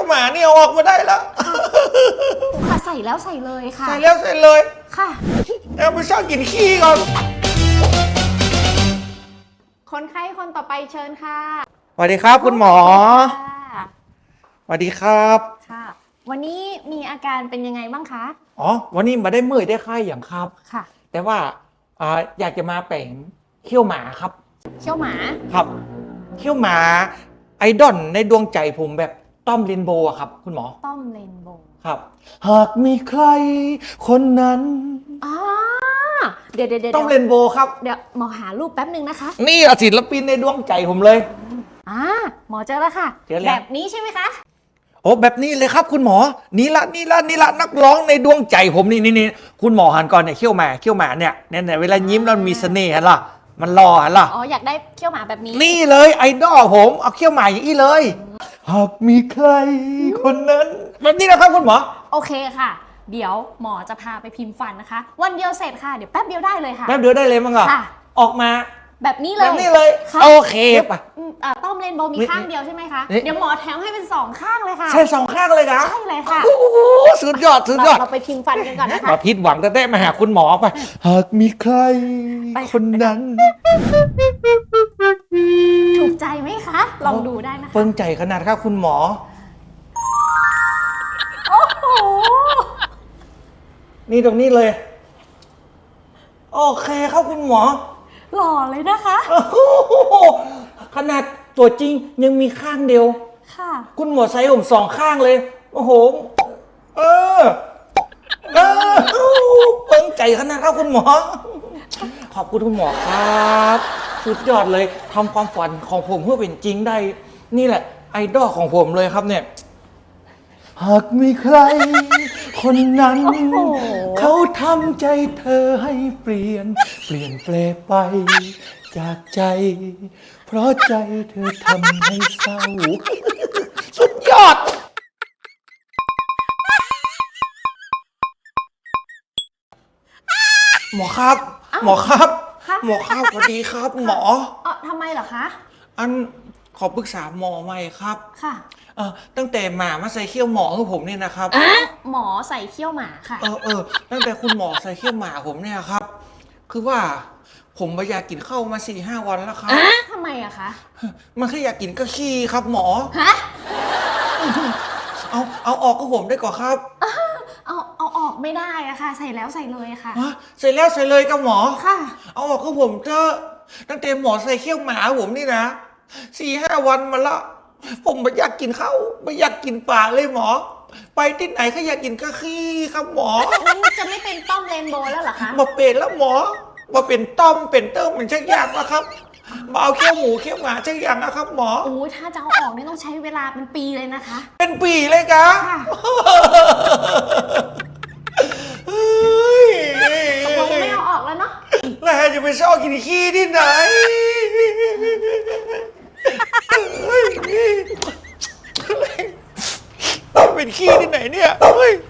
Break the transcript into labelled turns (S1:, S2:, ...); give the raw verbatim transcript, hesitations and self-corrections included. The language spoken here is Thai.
S1: ยวหมาเนี่ยออกมาได้แล้ว
S2: ค่ะใส่แล้วใส่เลยค่ะ
S1: ใส่แล้วใส่เลย
S2: ค่ะ
S1: เอาไปชอบกินขี้ก่อน
S2: คนไข้คนต่อไปเชิญค่ะ
S1: สวัสดีครับคุณหมอสวัสดีครับ
S2: ค่ะวันนี้มีอาการเป็นยังไงบ้างคะ
S1: อ๋อวันนี้มาได้เมื่อยได้ไข้อย่างครับ
S2: ค่ะ
S1: แต่ว่าอ่าอยากจะมาแป่งเขี้ยวหมาครับ
S2: เขี้ยวหมา
S1: ครับเขี้ยวหมาไอดอลในดวงใจผมแบบต้อมเรนโบว์ครับคุณหมอ
S2: ต้อมเรนโบว์
S1: ครับหากมีใครคนนั้น
S2: อ๋อเดี๋ยวเดี๋ยว
S1: ต้อมเรนโบว์ครับ
S2: เดี๋ยวหมอหารูปแป๊บนึงนะคะ
S1: นี่ศิลปินในดวงใจผมเลย
S2: อ่าหมอเจอแล้วค่ะแบบนี้ใช่ไหมคะ
S1: โอ้แบบนี้เลยครับคุณหมอนี่ละนี่ละนี่ละนักร้องในดวงใจผมนี่นี่นี่คุณหมอหันก่อนเนี่ยเขี้ยวหมาเขี้ยวหมาเนี่ยเนี่ยเวลายิ้มแล้วมีเสน่ห์ล่ะมันหล่อล่ะ
S2: อ๋ออยากได้เขี้ยวหมาแบบนี้
S1: นี่เลยไอดอลผมเอาเขี้ยวหมาอย่างนี้เลยหากมีใครคนนั้นแบบนี้นะครับคุณหมอ
S2: โอเคค่ะเดี๋ยวหมอจะพาไปพิมพ์ฟันนะคะวันเดียวเสร็จค่ะเดี๋ยวแป๊บเดียวได้เลยค่ะ
S1: แป๊บเดียวได้เลยมั้งเหรอออกมา
S2: แบบนี้เลย
S1: แบบนี้เลยโอเคป่ะ
S2: ต้อมเรนโบว์มีข้างเดียวใช่ไหมคะเดี๋ยวหมอแถมให้เป็นสองข้างเลยค่ะ
S1: ใช่สองข้างเลยนะ
S2: ใช่เลยค่ะ
S1: โอ้โหสุดยอดสุดยอด
S2: เราไปพิมพ์ฟันกันก่อนนะคะ
S1: มาพิษหวังแต่ได้มาหาคุณหมอไปหากมีใครคนนั้น
S2: ถูกใจไหมคะลองดูได้นะคะ
S1: เปิ้งใจขนาดครับคุณหมอ
S2: โอ้โห
S1: นี่ตรงนี้เลยโอเคครับคุณหมอ
S2: หล่อเลยนะคะ
S1: ขนาดตัวจริงยังมีข้างเดียว
S2: ค่ะ
S1: คุณหมอใส่ผมสองข้างเลยโอ้โหเออเออเปิ้งใจขนาดครับคุณหมอขอบคุณคุณหมอครับสุดยอดเลยทำความฝันของผมเพื่อเป็นจริงได้นี่แหละไอดอลของผมเลยครับเนี่ยหากมีใครคนนั้นเขาทำใจเธอให้เปลี่ยนเปลี่ยนแปลไปจากใจเพราะใจเธอทำให้เศร้าสุดยอดหมอครับหมอครับหมอครับสวัสดีครับหมอ
S2: เออทำไมเหรอคะ
S1: อันขอปรึกษาหมอใหม่ครับ
S2: ค่ะ
S1: เออตั้งแต่หมามาใส่เขี้ยวหมอของผมเนี่ยนะครับ
S2: หมอใส่เขี้ยวหมาค่ะ
S1: เออเออตั้งแต่คุณหมอใส่เขี้ยวหมาผมเนี่ยครับคือว่าผมไม่อยากกินข้าวมาสี่ห้าวันแล้วครับ
S2: ทำไมอะคะ
S1: มันแค่อยากกินก็ขี้ครับหมอ
S2: ฮะ
S1: เอาเอาออกก็ผมได้ก่อนครับ
S2: เอาเอาออกไม่ได้อะค่ะใส่แล้วใส่เลยค่ะ
S1: ใส่แล้วใส่เลยกับหมอ
S2: ค่ะ
S1: เอาออกก็ผมเถอะตั้งแต่หมอใส่เขี้ยวหมาผมนี่นะสี่ห้าวันมาละผมไม่อยากกินข้าวไม่อยากกินปลาเลยหมอไปที่ไหนก็อยากกินก็ขี้ครับหมอ
S2: จะไม่เป็นต้อมเรนโบว์แล้วเหรอคะ
S1: มาเป็นแล้วหมอมาเป็นต้อมเป็นเติ้มเป็นชักยากนะครับมาเอาเขี้ยวหมูเขี้ยวหมาชักยากนะครับหมอ
S2: โอ้ถ้าจะเอาออกนี่ต้องใช้เวลาเป็นปีเลยนะคะ
S1: เป็นปีเลยกะ
S2: ตกลงไม่เอาออกแล้วเนาะ
S1: แล้วจะไปชอบกินขี้ที่ไหนเป็นขี้ที่ไหนเนี่ยเฮ้ย